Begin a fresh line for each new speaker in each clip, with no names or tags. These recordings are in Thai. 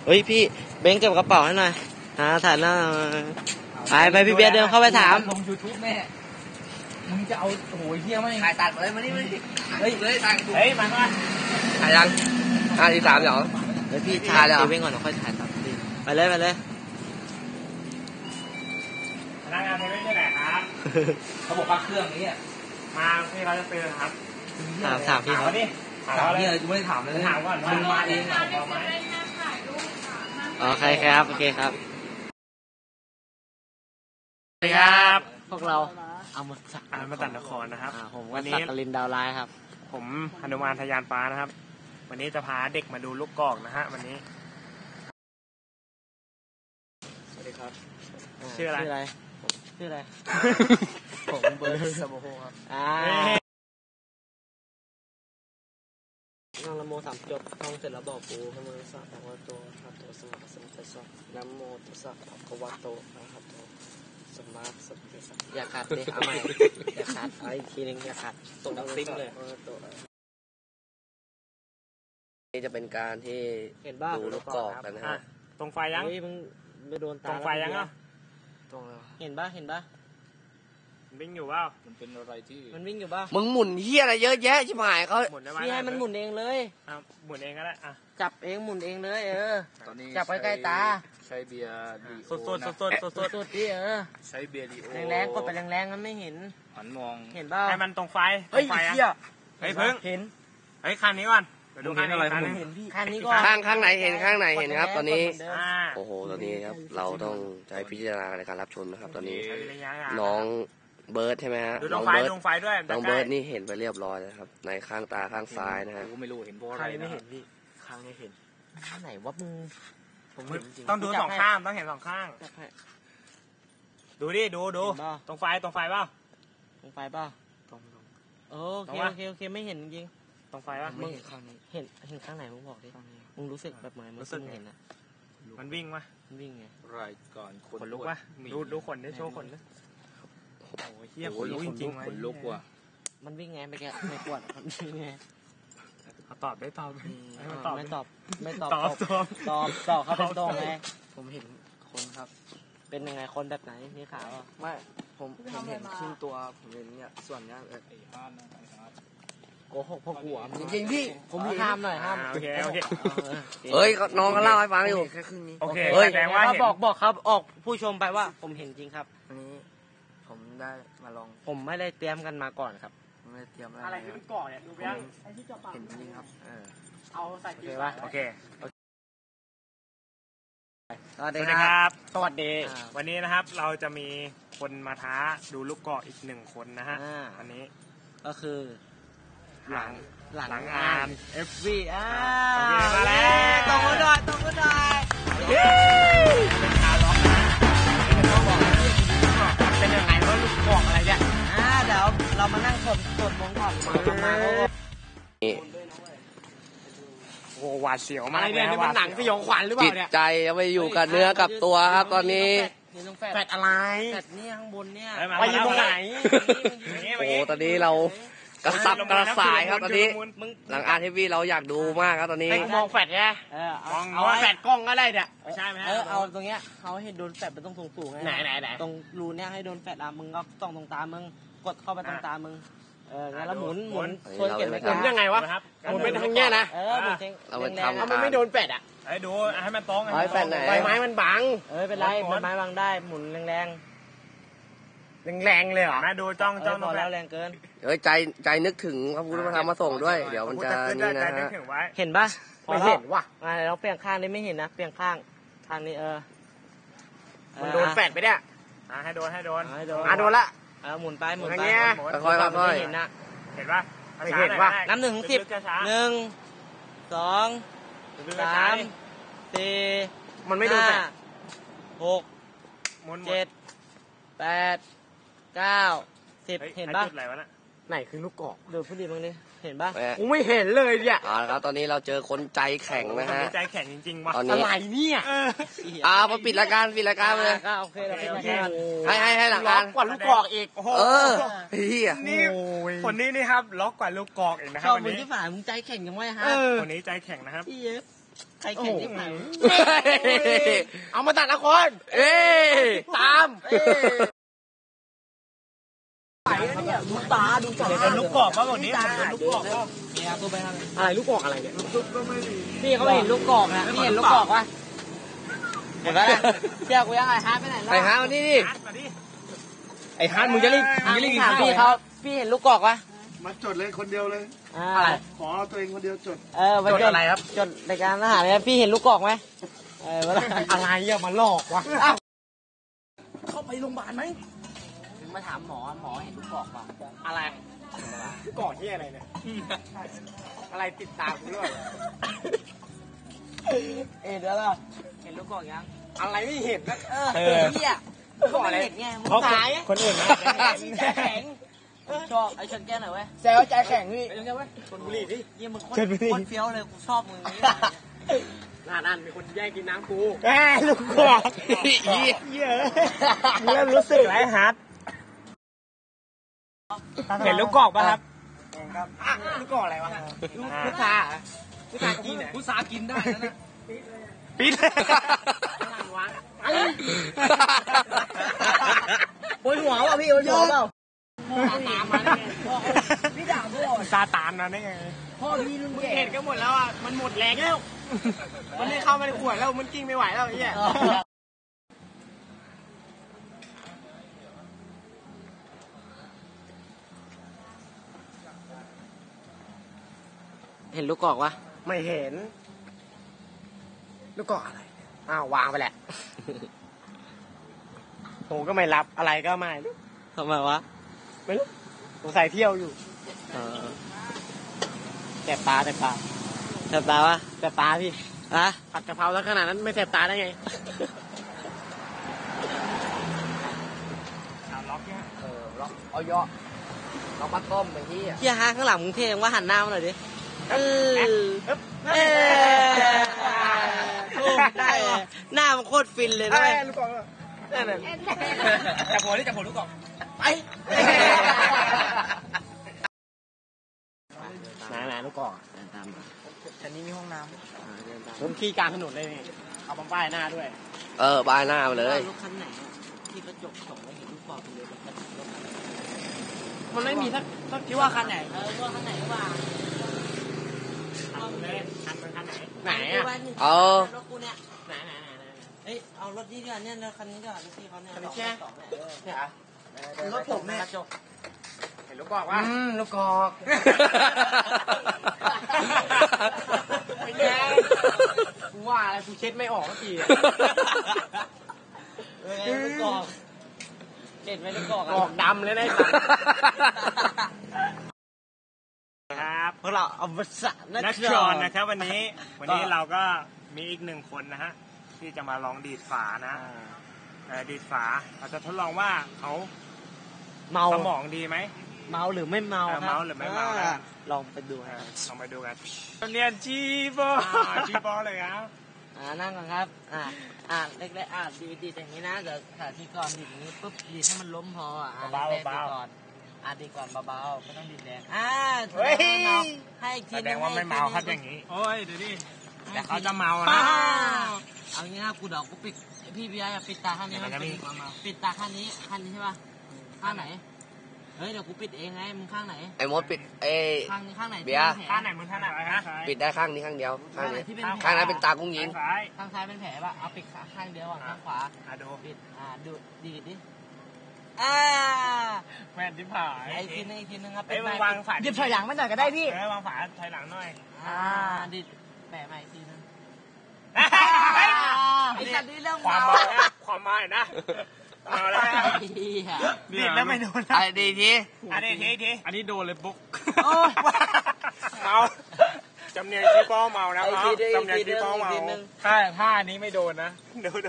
เฮ้ยพี่เบงเก็บกระเป๋าให้หน่อยถ่ายหน้าไปพี่เบียร์เดินเข้าไปถาม
ลง YouTube แม่มึงจะเอาโอ้โหเฮี้ยไหม
ถ่ายตัดเลยมานี่เฮ้ยเลยถ่าย
เฮ้ยมา
ถ่ายยัง53เหรอ
เฮ้ยพี่ถ่ายแล้วเบงก่อนเดี๋ยวค่อยถ่ายต่อไปเลยพ
นักงานเซเว่นที่ไหนครับเขาบอกว่าเครื่องนี้มาที่เขาจะเตือนครับ
ถามพี่เขา
ดิถามพี่เลยกูไม่ได้ถามเลยถามก่อนมึงมาเองเอาไหม
โอเคครับโอเคครับ
สวัสดีครับ
พวกเราเอา
มาตัดนครนะครับ
ผมวันนี้กลินดาวไลน์ครับ
ผมหนุมานทะยานฟ้านะครับวันนี้จะพาเด็กมาดูลูกกอกนะฮะวันนี้สวัสดีครับชื่ออะไร
ผมเบิร์ดสมโภครับน้องละโมสามจบท่องเสร็จแล้วบอกปูพระมือสัพพะโตอะระหะโตสัมมาสัมพุทธัสสะนะโมตัสสะภะคะวะโตอะระหะโตสัมมาสัมพุทธัสสะอย่าขาดเลยเอาใหม่อย่าขาดเอาอีกทีนึงอย่าขาดตรงซิ้มเลย
นี่จะเป็นการที่ดูลูกกอกกันนะฮะ
ตรงไฟยัง
มึงไม่โดนตา
ตรงไฟยังอ่ะ
ตรงเห็นป่ะ
วิ่งอยู่เปล่า
มันเป็นอะไรที่มันวิ่งอยู่ป่ะ
มึงหมุนเหี้ยอะไรเยอะแยะชิบหายเขา
พี่ให้มันหมุนเองเลย
หมุนเองก็ได้
จับเองหมุนเองเลยจับใกล้ๆตา
ใช้เบียร์ดี
สด
ดิ
ใช้เบียร์ดีโอ
แรงๆกดไปแรงๆมันไม่เห็น
หันมอง
เห็นป่ะ
ให้มันตรงไฟ
เฮ้ยเหี้ย
เฮ้ยเพิ่ง
เห็น
เฮ้ยคันนี้ก่อนดูคันนี้
คันนี้ก่อน
ข้างไหนเห็นครับตอนนี้โอ้โหตอนนี้ครับเราต้องใช้พิจารณาในการรับชมนะครับตอนนี้น้องเบิร์ดใช่ไหมฮะ
น้องเบิ
ร์ดนี่เห็นไปเรียบร้อยแล้วครับในข้างตาข้างซ้ายนะฮะ
ไม่รู้เห็นเพราะอะไร
ไม่เห็นพี่ข้างไม่เห็นไหนวะมึง
ผมต้องดูสองข้างต้องเห็นสองข้างดูดิดูตรงไฟเปล่า
ตรงไฟเปล่าโอเคไม่เห็นจริง
ตรงไฟป่ะ
มึงเห็นข้างไหนมึงบอกดิมึงรู้สึกแบบไหนมึงเห็นนะ
มันวิ่งวะ
มันวิ่งไง
รายการ
ขนลุกวะดูขนได้โชว์ขนเลยโอ้ยเฮียขนลุกจริงๆ
ขนลุกว่ะ
มันวิ่งไงไม่แกไม่ปวดมันวิ่งไง
ตอบได้ตอบ
ไม่ตอบเขาเป็นตรงไงผมเห็นคนครับเป็นยังไงคนแบบไหนมีขาว
ไม่ผมเห็นครึ่งตัวผมเห็นเนี่ยส่วนเนี้ย
โกหกพวกหัวจริงพี่ผมห้ามหน่อยห้าม
โอเค
เฮ้ยน้องก็เล่าให้ฟังอยู่แค่ครึ่งนี้
โอเคแสดงว่า
บอกครับออกผู้ชมไปว่าผมเห็นจริงครับ
วันนี้ผมได้มาลอง
ผมไม่ได้เตรียมกันมาก่อนครับ
ไม่ได้เตรียม
อะไรที่มันก่อเนี่ยดูยัง
เห็นจริงครับ
เอาใส่โอเคป่ะโอเค
สวัสดี
ครับสวัสดีวันนี้นะครับเราจะมีคนมาท้าดูลูกกอกอีก1 คนนะฮะอันนี้
ก็คือหลังงาน FV
มาแล้ว
ตรงก็ได้เป็นยังไงว่าลูกกอกอะไรเนี่ยเดี๋ยวเรามานั่งสดมงก่อนมา
โอ้หวาดเสียวมาก
เลยนี่มันหนังสยองขวัญหรือเปล่าเนี่ย
จิตใจเอาไปอยู่กับเนื้อกับตัวครับตอนนี้
แฟดอะไรแฟดเนี่ยข้างบนเนี่ย
ไปยืนตรงไหน
โอ้ตอนนี้เรากระสับกระส่ายครับตอนนี้หลังทีวีเราอยากดูมากครับตอนนี้
มองแฟดไงเอาแฟดกล้องก็ได้เนี่ย
ไม่ใช่ไหม
เอาตรงเนี้ยเขาให้โดนแฟดไปต้องสูงไง
ไหน
ตรงรูเนี้ยให้โดนแฟดมึงก็ต้องตรงตามึงกดเข้าไปตรงตามึงงั้นแล้วหมุนช่วยเก็บไว้
กันยังไงวะหมุนเป็นทางเนี้ยนะ
หมุน
เราไปทำ
มันไม่โดนแฟดดูให้มันตรง
แฟดไหน
ใบไม้มันบัง
เป็นไรใบไม้บังได้หมุนแรง
เลยเหรอนะดูจ้อง
พอแล้วแรงเกิน
ใจนึกถึงพระพุทธธรรมมาส่งด้วยเดี๋ยวมันจะนี่นะฮะ
เห็นปะ
ไม่เห็นว่ะ
เราเปลี่ยนข้างนี้ไม่เห็นนะเปลี่ยนข้างนี้
มันโดนแฟดไปเนี่ยให้โดนโดนละ
หมุนไป
ค่อย
เห็นนะ
เห็นปะ
น้ำ1 ถึง 10 1 2 3 4
มันไม่โดนแฟด
6 7 8 9 10เห็นปะ
ไหนคือลูกกอก
ดูพูดดีบ้างดิเห็นปะ
กูไม่เห็นเลยเนี่ย
ครับตอนนี้เราเจอคนใจแข็งนะฮะ
ใจแข็งจริงๆว่ะ
อะไรเนี่ย
มาปิดรายการเลย
โอเคเราปิดรายการ
ให้หลังการ
กว่าลูกกอกอีกนี่คนนี้นี่ครับล็อกกว่าลูกกอกอีกนะครับ
วันนี้ที่ฝ่ายมึงใจแข็งยังไงฮะ
คนนี้ใจแข็งนะครับ
ใครเก่งที่ไหน
เอามาตัดละคร
ตาม
ดูตาดูตา
เดี๋ยวเป็นลูกกรอกมาบอกนี้ลูกกรอกก็
เนี่ยตัวไปทาง
อะไรลูกกรอกอะไรเนี่ย
พี่เขาเห็นลูกกอกนะพี่เห็นลูกกอกวะเห็นปะเชื่อกูยังไงฮาร์ดไปไหนแล้ว
ไปหาวันนี้ดิ
ไอ้ฮาร์ดมึงจะรีบ
ถามพี่เขาพี่เห็นลูกกอกวะ
มาจดเลยคนเดียวเลย
อะไร
ขอเอาตัวเองคนเดียวจด
จดอะไรครับ
จดรายการอาหารเนี่ยพี่เห็นลูกกอกไหม
อะไรอะมาหลอกวะ
เข้าไปโรงพยาบาลไหมถึงมาถามหมอเห็นลูกกอกป่ะ
อะไรกรอกที่อะไรเนี่ยอะไรติดตามกูด้วย
เดี๋ยวเราเห็นลูกกอกยัง
อะไรไม่เห็นนะ
เฮียก็ไม่เห็นไงมึงสาย
คนอื่นนะ
ใจแข็งชอบไอ้ชนแก้หน่อยเว้ย
แซวใจแข็งพี่
ไอ้ชนแก้เว้ย
คนบุหรี่ดิ
ยี่มึงโคตรเฟี้ยวเลยกูชอบมึงนี้
นั่นมีคนแย่งกินน้ำกูลูกกรอกเยอะเริ่มรู้สึกไรฮาร์ดเห็นลูกกรอกป่ะครับครับลูกกรอกอะไรวะพุทราพุทรากินเนี่ย
พุทรากินได้นะ
ปิด
ปวดหัวป่ะพี่ปวดหัวเปล่าตามมาได้ไงพี่ด่าพ่อ
ซาตานนะได้ไง
พ่อพี่รุ่นแก่
เห็นก็หมดแล้วอ่ะมันหมดแรงแล้วมันไม่เข้ามาในขวดแล้วมันกิ้งไม่ไหวแล้วไอ้เหี้ย
เห็นลูกกอกวะ
ไม่เห็นลูกกรอกอะไรอ้าววางไปแหละโหก็ไม่รับอะไรก็ไม่
ทำไมวะ
ไม่รู้สงสัยเที่ยวอยู่
แสบตาแสบตาแสบตาวะ
แสบตาพี่
อะ
ผัดกะเพราแล้วขนาดนั้นไม่แสบตาได้ไงล็อกเนี่ย
เอาเยอะเรามาต้มไปที่
เฮียฮะข้างหลังมึงเท่ยังว่าหันหน้ามาหน่อยดิได้หน้ามันโคตรฟินเลยนะ
ลูกกรอกนั่นน่ะจับหัวนี่จับหัวลูกกรอก
ไป
ไหนลูกกรอก
ตามมา
ชั้นนี้มีห้องน้ำผมขี่กลางถนนเลยนี่เอาป้ายหน้าด้วย
บายหน้าไปเลย
รถคันไหนที่กระจกส่งแล้วเห็นลูกกอกเลย
มันไม่มีสักคิดว่าคันไหน
ว่าคันไหนว่า
คันเลยคันไหนไหนอ่ะ
รถกูเนี่ย
ไหน
เอ้ยเอารถนี้ดีกว่าเนี่ยคันนี้ดีกว่ารถที่เขาเนี่ย
เนี่ยอ่ะ
รถผมเนี่ยกระจก
เห็นลูกกรอกวะ
ลูกกอก
ไม่แย่กูว่าอะไรกูเช็ดไม่ออกสักที
ลูกกอกเด็ดไหมลูกกอก
กรอกดำเลยนะครับ
พวกเราเอาวัสดุ
นักชอนนะครับวันนี้เราก็มีอีกหนึ่งคนนะฮะที่จะมาลองดีดฝานะดีดฝาเราจะทดลองว่าเขา
เมา
สมองดีไหม
เมาหรือไม่เมา
เมาหรือไม่เมานะ
ลองไปดูครับ
ลองไปดูกันเรียนจีบอจีบอเลยครับ
นั่งก่อนครับเล็กๆดีดอย่างนี้นะเดี๋ยวขาที่ก่อนดีดอย่างนี้ปุ๊บดีดให้มันล้มพอเบาก่อนดีก่อนเบาๆไม่ต้องดีดแรงให้อีกที
แสดงว่าไม่เมาครับอย่างนี้โอ้ยดูดิแต่เขาจะเมา
นะ
นะ
เอางี้นะกูเดี๋ยวกูปิดพี่เบียร์ปิดตาข้างนี้ปิดตาข้างนี้ใช่ป่ะข้างไหนเฮ้ยเดี๋ยวกูปิดเองไงมึงข้างไหน
ไอ้มดปิด
ข้างไหน
เบียร์
ข้างไหนมึงข้างไหนนะ
ปิดได้ข้างนี้ข้างเดียวข้างนี้
ที่เป็น
ข้างนั้นเป็นตากุ้งยิง
ซ้าย
ข้างซ้ายเป็นแผลป่ะเอาปิดข้างเดียวข้างขวา
ดู
ปิดดูดีดิ
แม่นที่ผาย
อีกทีนึงครับ
เอ้ยวางฝา
หยิบถอยหลังมาหน่อยก็ได้พี่
วางฝาถอยหลังหน่อย
ดิแปะใหม่อีกทีนึง
ไอ้
ไอ้สัตว์นี่เรื่อง
ความ
เมา
เมาความเมาเห็นนะเมาแล้วดิดแล้วไม่โดน
ไอ้ดีที
อันนี้ทีอันนี้โดนเลยปุ๊ก
โอ้ย
เมาจำเนียงที่ป้อเมานะจำเนียงที่ป้อเมาถ้าอันนี้ไม่โดนนะเดี๋ยว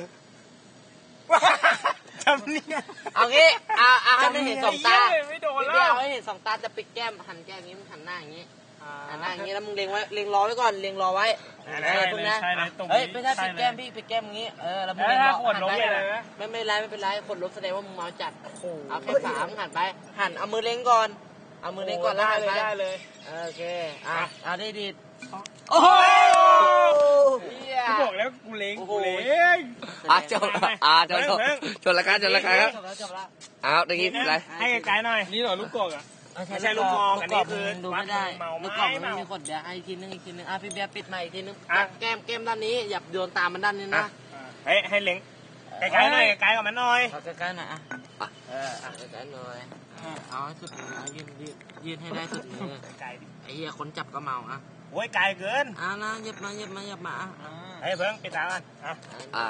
จำเนียง
เอางี้ให้ไม่เห็นสองตา
ไม่โดน
เดี
แล้
ยว
ว
ให้เห็นสองตาจะปิดแก้มหันแก้มอย่างนี้มึงหันหน้าอย่างนี้หันหน้าอย่างนี้แล้วมึงเล็งไว้เล็งรอไว้ก่อนเล็งรอไว้พวกนั้นเฮ้ยไม่ใช่ปิดแก้มพี่ปิดแก้มอย่างนี้แล้วมึงเล็งรอหันไปไม่เป็นไรขดลบแสดงว่ามึงเมาจัดเอาแค่ขามึงหันไปหันเอามือเล็งก่อนเอามือเล็งก่อนแล้วหันไป
ได้เลย
โอเคเอาได้ดี
โอ้โห
จบจบรายการครับ
จบแล้ว
เอาตะกี้อะไร
ให้ไกลๆหน่อยนี่เหรอลูกกอกอ่ะ ไม่ใช่ลูกกอกอันนี้คือ
ดูไม่ได้
เมาไหม
ลูกกอกมัน
เมา
ไม่มีขนเดี๋ยวอีกทีนึงพี่เบียร์ปิดใหม่อีกทีนึง
อ่ะ
แก้มด้านนี้อย่าโยนตามมันด้านนี้นะ
ให้เล็งไกลๆหน่อยไกลกับมันหน่อย
เอาใกล้ๆหน่อยใกล้ๆหน่อยเอาให้สุดมือยืดให้ได้สุดมือ
ไกลดิ
ไอ้เหี้ยคนจับก็เมาอ่ะ
โอ้ยไกลเกิน
นะเหยียบมา
ให้เพิ่งปิดตากันอ่ะ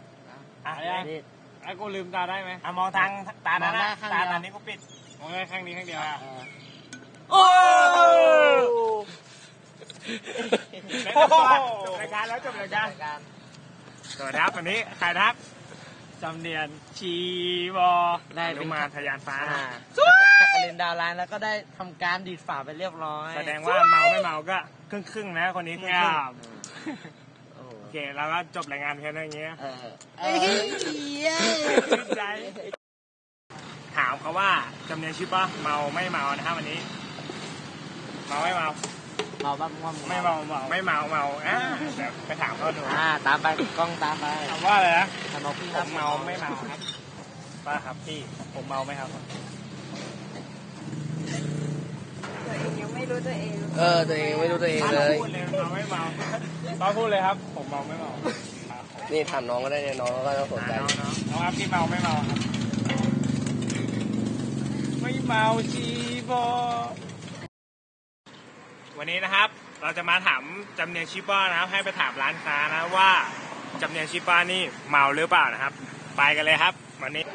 ไอ้กูลืมตาได้ไหมมองทางตานั้นนะตานี้กูปิดมองได้ข้างนี้ข้างเดียวโอ้จบรายการแล้วจบรายการสวัสดีครับวันนี้ใครครับจำเนียนชีวอได้ลงมาทะยานฟ้า
จักรินดาวไลน์แล้วก็ได้ทำการดีดฝาไปเรียบร้อย
แสดงว่าเมาไม่เมาก็ครึ่งๆนะคนนี้ครึ่งโอเคเราก็จบรายงานแค่นี้ใจถามเขาว่าจำเนียนชื่อป่ะเมาไม่เมานะครับวันนี้เมาไม่เมา
เมาบ้างง่วง
ไม่เมาเดี๋ยวไปถามเขาดู
ตามไปกล้องตามไป
ถามว่าอะไรนะ
ถามพี่
ผมเมาไม่เมาครับป้าครับพี่ผมเมาไหมครับ
ตัวเองยังไม่รู้ตัวเอง
ตัวเองไม่รู้ตัวเองเลย
พูดเลยเมาไม่เมาป้าพูดเลยครับผมเมาไม่เมา
นี่ถามน้องก็ได้เนี่ยน้องก็ต้องสนใจ
น้องครับพี่เมาไม่เมาครับไม่เมาชีบอวันนี้นะครับเราจะมาถามจำเนียนชิป้านะครับให้ไปถามร้านค้านะว่าจำเนียนชิป้านี่เมาหรือเปล่านะครับไปกันเลยครับวันนี้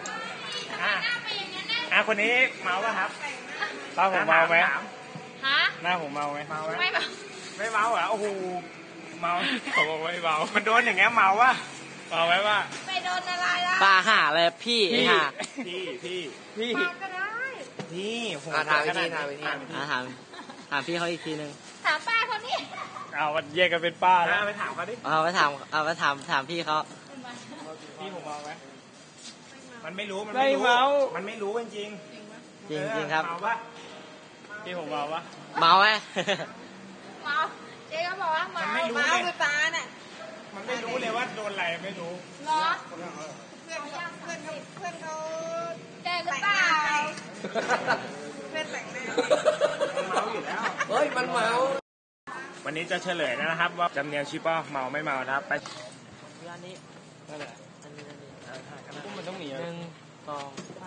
คนนี้เมาป่ะครับป้าผมเมาไหม
ฮะ
หน้าผมเมาไหมเมาไหม
ไม่แบบ
ไม่เมาเหรอโอ้โหเมาผมบอกไม่เมามันโดนอย่างเงี้ยเมาป่ะเมาไหมว่า
ไปโดนอะไรล่ะ
ปลาหาเลยพี่หา
พี่
มาก็ได้
พี่ผม
ถามวิธี
ถามพี่เขาอีกทีนึง
ถามป้าคนนี้
เอาแยกกันเป็นป้าแล้วไปถามเขาดิ
เอาไปถามพี่เขา
พี่ผมเมาไหมมันไม่รู้ มัน
ไม่เมา
มันไม่รู้จริง
จริงครับ
เมาปะพี่ผมเมาปะ
เมาไหม
เมาเจ๊ก็บอกว่าเมา
มันไม่รู้
เมา
เลย
คือป้าน่ะ
มันไม่รู้เลยว่าโดนอะไรไม่รู้
เนาะเพื่อนเขาแกหรือเปล่าเพื่อนแต่งหน้า
มันเมาอยู่แล้ว
เฮ้ยมันเมา
วันนี้จะเฉลยนะครับว่าจำเนียนชิปป้าเมาไม่เมานะครับไป
อันนี้
นั่นแหละ
อันนี้
มันต้องหนี
1 2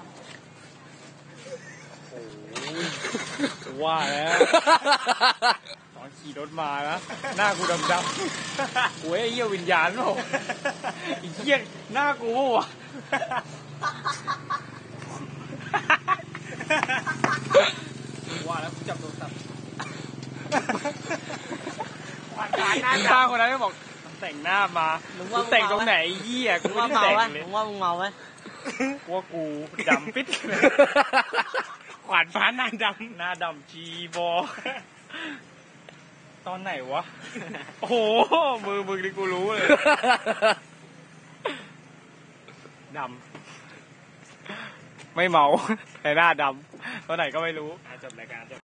3
ว่าแล้วตอนขี่รถมานะหน้ากูดำๆโอ้ยไอ้เหี้ยวิญญาณเปล่าไอ้เหี้ยหน้ากูวะว่าแล้วกูจับโทรศัพท์ตาคนนั้นก็บอกแต่งหน้ามากูแต่งตรงไหนไอ้เหี้ยกู
มึง
ไม่
ว่า
ได้
เมา
แต่งเลย
ไหมมึงว่ามึงเมาไหม
ว่ากูดำปิดขวานฟ้าหน้าดำจีบอตอนไหนวะโอ้โหมือนี่กูรู้เลยดำไม่เมาแต่หน้าดำตอนไหนก็ไม่รู้จบรายการ